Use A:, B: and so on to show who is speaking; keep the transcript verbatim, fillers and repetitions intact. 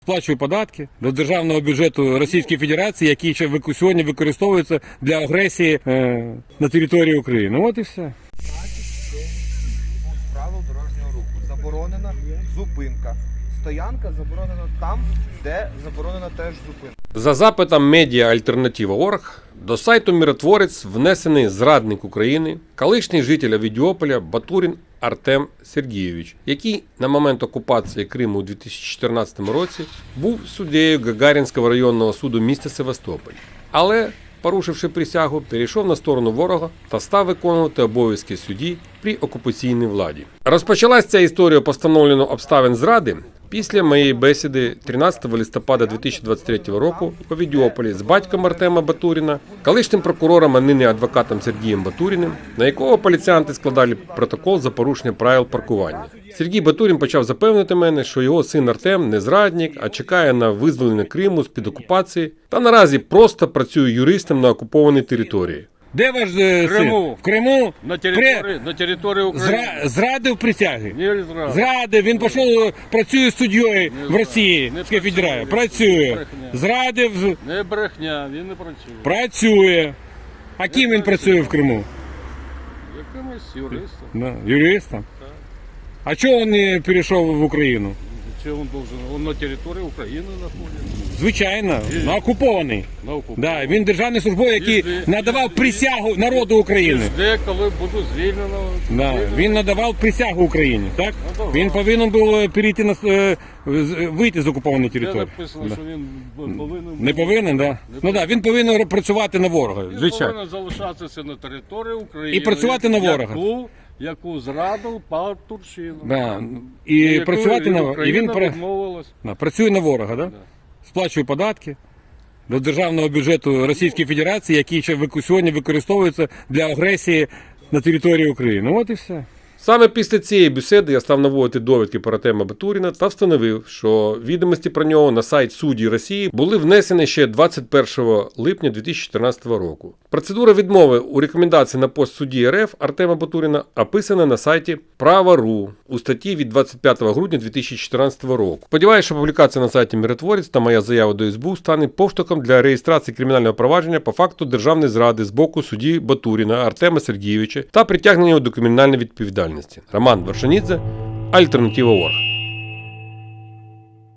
A: Сплачую податки до державного бюджету Російської Федерації, який ще вик- сьогодні використовується для агресії е, на території України. От і все.
B: Пункт правил дорожнього руху. Заборонена зупинка. Стоянка заборонена там, де заборонена теж зупинка.
C: За запитом медіа Альтернатива точка орг до сайту Миротворець внесений зрадник України, колишній житель Авідіополя Батурин Артем Сергійович, який на момент окупації Криму у дві тисячі чотирнадцятому році був суддею Гагарінського районного суду міста Севастополь. Але, порушивши присягу, перейшов на сторону ворога та став виконувати обов'язки судді при окупаційній владі. Розпочалась ця історія постановлено обставин зради після моєї бесіди тринадцятого листопада дві тисячі двадцять третього року у Авідіополі з батьком Артема Батуріна, колишнім прокурором, а нині адвокатом Сергієм Батуріним, на якого поліціянти складали протокол за порушення правил паркування. Сергій Батурін почав запевнити мене, що його син Артем не зрадник, а чекає на визволення Криму з-під окупації та наразі просто працює юристом на окупованій території.
A: Де ваш е, син?
D: Криму.
A: В Криму?
D: На території, на території України.
A: Зра... Зрадив присяги?
D: Не зрадив.
A: Зрадив, він пішов, працює суддєю в Росії,
D: Не
A: в Федерації.
D: працює.
A: Працює.
D: Брехня.
A: Зрадив,
D: Не брехня, він не працює.
A: працює. А ким він працює в Криму?
D: Якимось юристом.
A: Да, юристом. А чого він не перейшов в Україну?
D: Чи він должен? Он на території України знаходиться.
A: Звичайно, на окупований.
D: На окупації.
A: Да, він державний службовий, який
D: Ізде-
A: надавав присягу народу України.
D: Де, коли буду звільнено.
A: Да, він надавав присягу Україні, так?
D: Надавав.
A: Він повинен був перейти на е, з- вийти з окупованої
D: Де
A: території.
D: написано,
A: Да.
D: що він повинен...
A: Не повинен, да? Ну да, він повинен працювати на ворога,
D: Він
A: звичайно.
D: повинен залишатися на території України.
A: І працювати на ворога.
D: Яку, яку зрадив Батурщину.
A: Да. І
D: Яку
A: працювати на ворога. І він
D: Україна
A: пра-
D: відмовилась.
A: да, працює на ворога, да?
D: Да.
A: Сплачує податки до державного бюджету Російської Федерації, який ще вик- сьогодні використовується для агресії на території України. От і все.
C: Саме після цієї бесіди я став наводити довідки про Артема Батуріна та встановив, що відомості про нього на сайт судді Росії були внесені ще двадцять першого липня дві тисячі чотирнадцятого року. Процедура відмови у рекомендації на пост судді РФ Артема Батуріна описана на сайті Право точка ру у статті від двадцять п'ятого грудня дві тисячі чотирнадцятого року. Сподіваюся, що публікація на сайті Миротворець та моя заява до ес бе у стане поштовхом для реєстрації кримінального провадження по факту державної зради з боку судді Батуріна Артема Сергійовича та притягнення його до кримінальної відповідальності. Роман Вершинідзе, Альтернатива точка орг.